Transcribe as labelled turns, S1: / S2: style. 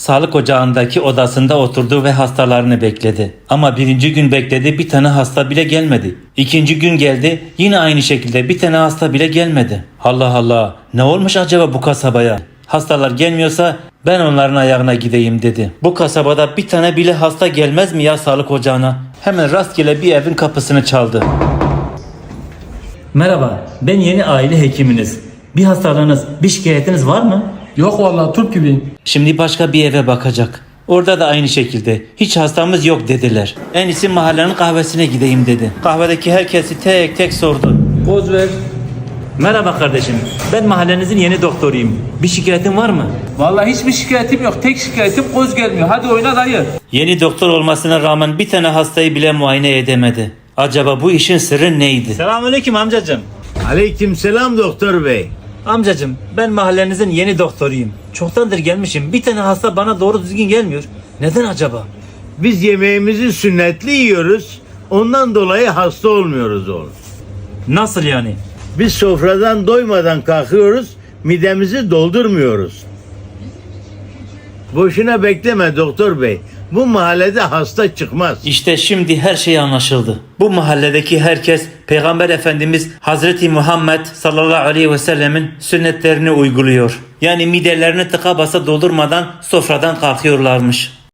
S1: Sağlık ocağındaki odasında oturdu ve hastalarını bekledi. Ama birinci gün bekledi, bir tane hasta bile gelmedi. İkinci gün geldi, yine aynı şekilde bir tane hasta bile gelmedi. Allah Allah, ne olmuş acaba bu kasabaya? Hastalar gelmiyorsa ben onların ayağına gideyim dedi. Bu kasabada bir tane bile hasta gelmez mi ya sağlık ocağına? Hemen rastgele bir evin kapısını çaldı. Merhaba, ben yeni aile hekiminiz. Bir hastalığınız, bir şikayetiniz var mı?
S2: Yok vallahi turp gibiyim.
S1: Şimdi başka bir eve bakacak. Orada da aynı şekilde. Hiç hastamız yok dediler. En iyisi mahallenin kahvesine gideyim dedi. Kahvedeki herkesi tek tek sordu.
S2: Poz ver.
S1: Merhaba kardeşim. Ben mahallenizin yeni doktoruyum. Bir şikayetin var mı?
S2: Vallahi hiçbir şikayetim yok. Tek şikayetim koz gelmiyor. Hadi oyna dayı.
S1: Yeni doktor olmasına rağmen bir tane hastayı bile muayene edemedi. Acaba bu işin sırrı neydi? Selamünaleyküm amcacığım.
S3: Aleykümselam doktor bey.
S1: Amcacığım, ben mahallenizin yeni doktoruyum. Çoktandır gelmişim. Bir tane hasta bana doğru düzgün gelmiyor. Neden acaba?
S3: Biz yemeğimizi sünnetli yiyoruz. Ondan dolayı hasta olmuyoruz oğlum.
S1: Nasıl yani?
S3: Biz sofradan doymadan kalkıyoruz. Midemizi doldurmuyoruz. Boşuna bekleme doktor bey. Bu mahallede hasta çıkmaz.
S1: İşte şimdi her şey anlaşıldı. Bu mahalledeki herkes Peygamber Efendimiz Hazreti Muhammed sallallahu aleyhi ve sellemin sünnetlerini uyguluyor. Yani midelerini tıka basa doldurmadan sofradan kalkıyorlarmış.